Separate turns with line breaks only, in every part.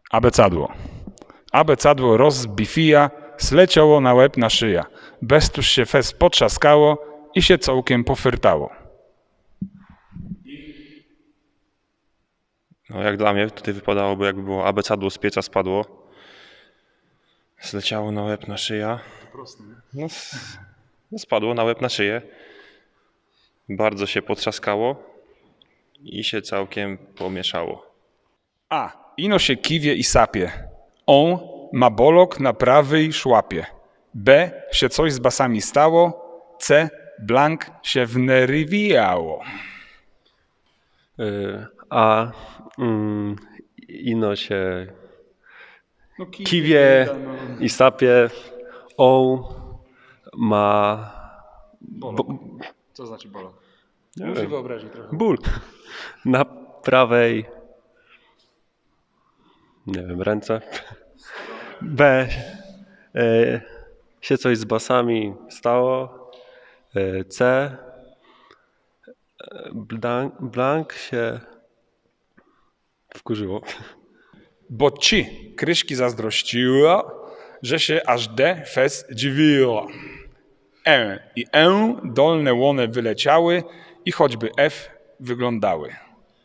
Abecadło. Abecadło rozbifija, zleciało na łeb na szyja. Bestuż się fez potrzaskało i się całkiem pofyrtało.
No jak dla mnie tutaj wypadałoby, jakby było abecadło z pieca spadło. Zleciało na łeb na szyja. No, spadło na łeb na szyję. Bardzo się potrzaskało i się całkiem pomieszało.
A. Ino się kiwie i sapie. On ma bolok na prawej szłapie. B. Się coś z basami stało. C. Blank się wnerwijało.
A ino się kiwie i sapie. O ma
Co znaczy bolok?
Nie
Muszę
wiem.
wyobrazić trochę.
ból na prawej, nie wiem, ręce. B. Się coś z basami stało. C. Blank się wkurzyło.
Bo ci kryszki zazdrościła, że się aż D fez dziwiła. I dolne łone wyleciały i choćby F wyglądały.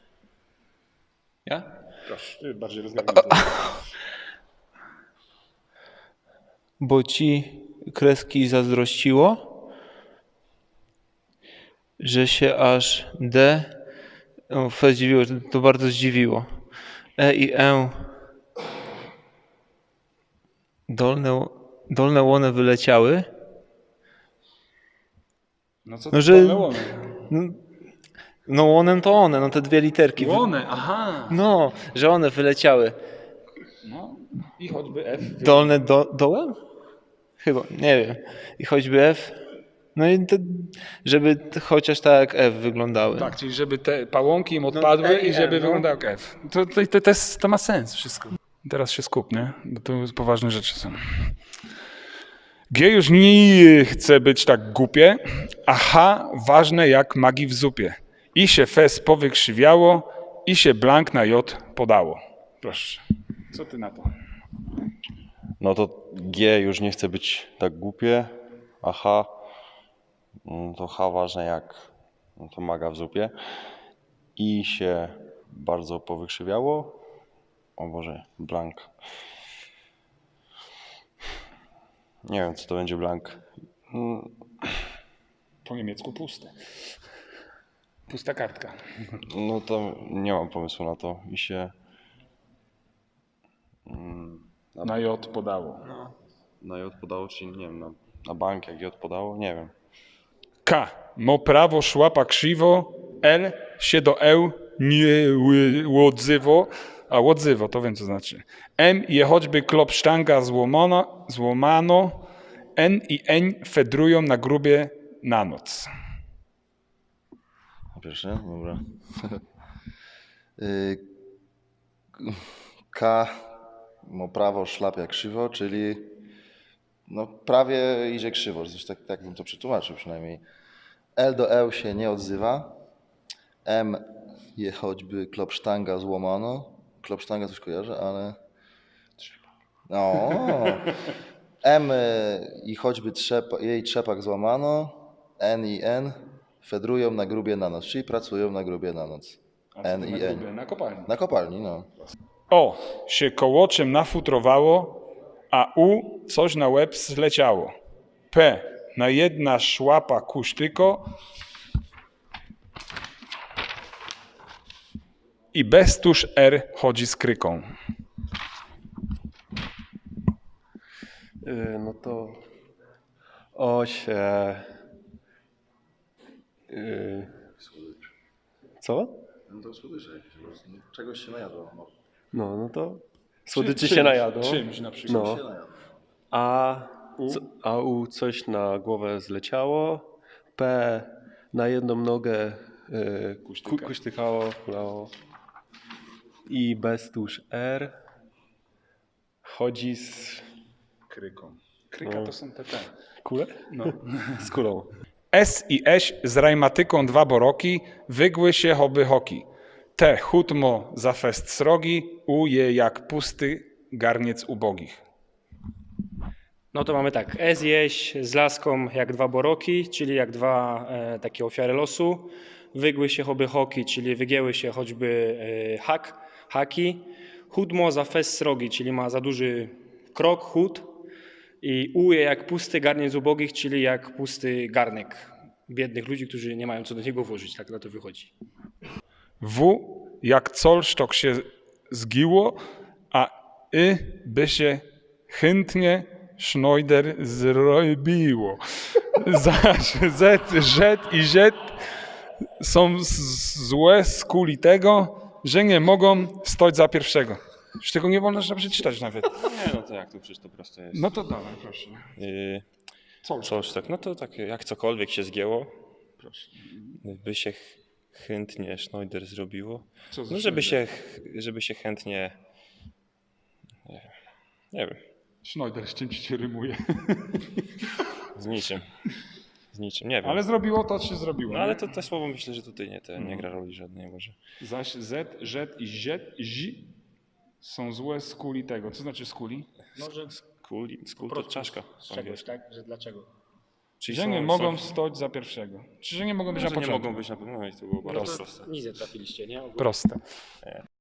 Ja? Proszę, bardziej rozgadnij.
Bo ci kreski zazdrościło, że się aż D F zdziwiło, że to bardzo zdziwiło. E i dolne łone wyleciały.
No co
No, że-
dolne łony?
No łonem to one, no te dwie literki.
Łone, aha.
No, że one wyleciały.
No i choćby F.
Dolne dołem? Chyba, nie wiem. I choćby F. No i żeby chociaż tak jak F wyglądały.
Tak, czyli żeby te pałąki im odpadły i żeby wyglądał jak F. To ma sens wszystko. Teraz się skup, nie? Bo to poważne rzeczy są. G już nie chce być tak głupie, a H ważne jak magii w zupie. I się fez powykrzywiało, i się blank na J podało. Proszę. Co ty na to?
No to G już nie chce być tak głupie, a H to H ważne jak to maga w zupie. I się bardzo powykrzywiało. O Boże, blank. Nie wiem, co to będzie blank.
Po niemiecku puste. Pusta kartka.
No to nie mam pomysłu na to. I się
Na J podało.
na J podało, czyli nie wiem, na bank jak J podało, nie wiem.
K. Mo prawo szłapa krzywo. L. Się do E nie łodzywo. A łodzywo, to wiem co znaczy. M. Je choćby klop sztanga złomano. N i N fedrują na grubie na noc.
Pierwsze? Dobra. K ma prawo szlapia krzywo, czyli no prawie idzie krzywo, zresztą tak bym to przetłumaczył przynajmniej. L do E się nie odzywa. M je choćby klopsztanga złamano. Klopsztanga coś kojarzę, ale... No. M i choćby jej trzepak złamano. N i N fedrują na grubie na noc, czyli pracują na grubie na noc. N i N.
Na kopalni.
Na kopalni, no.
O. Się kołoczem nafutrowało, a U coś na łeb zleciało. P. Na jedna szłapa kusztyko. I bestuż R chodzi z kryką.
No to O się... Co?
No to słodycze jakieś, czegoś się najadło.
No to słodyczy się najadło.
Czymś na przykład.
No. A U coś na głowę zleciało. P na jedną nogę kuśtykało, kulało. I bestuż R chodzi z
Kryką. Kryka to są te.
kule?
No.
Z kulą.
S i Eś z rajmatyką dwa boroki, wygły się hoby hoki. T. Chutmo za fest srogi, U. Je jak pusty garniec ubogich.
No to mamy tak, E zjeść z laską jak dwa boroki, czyli jak dwa takie ofiary losu. Wygły się choby hoki, czyli wygięły się choćby haki. Chudmo za fest srogi, czyli ma za duży krok, chód. I uje jak pusty garniec ubogich, czyli jak pusty garnek biednych ludzi, którzy nie mają co do niego włożyć. Tak na to wychodzi.
W. Jak colsztok się zgiło, a by się chętnie Schneider zrobiło. Zaś Z i Z są złe z kuli tego, że nie mogą stać za pierwszego. Już tego nie wolno przeczytać nawet.
Nie, no to jak tu przecież to proste jest.
No to dawaj, proszę.
Coś tak, no to tak jak cokolwiek się zgięło, by się chętnie Schneider zrobiło.
Co za
No żeby się chętnie, nie wiem,
Schneider, z czym ci się rymuje?
z niczym, nie wiem.
Ale zrobiło to, co się zrobiło.
No ale
nie?
to te słowo myślę, że tutaj nie gra roli żadnej może.
Zaś Z i Z są złe z kuli tego. Co znaczy z kuli?
Może
Skół to czaszka.
z czegoś, tak? Że dlaczego?
Czyli
Że nie mogą stać za pierwszego. Czy że nie mogą być na
że nie
początku?
mogą być na pewno, no i to było bardzo proste.
Nic nie trafiliście, nie?
Proste.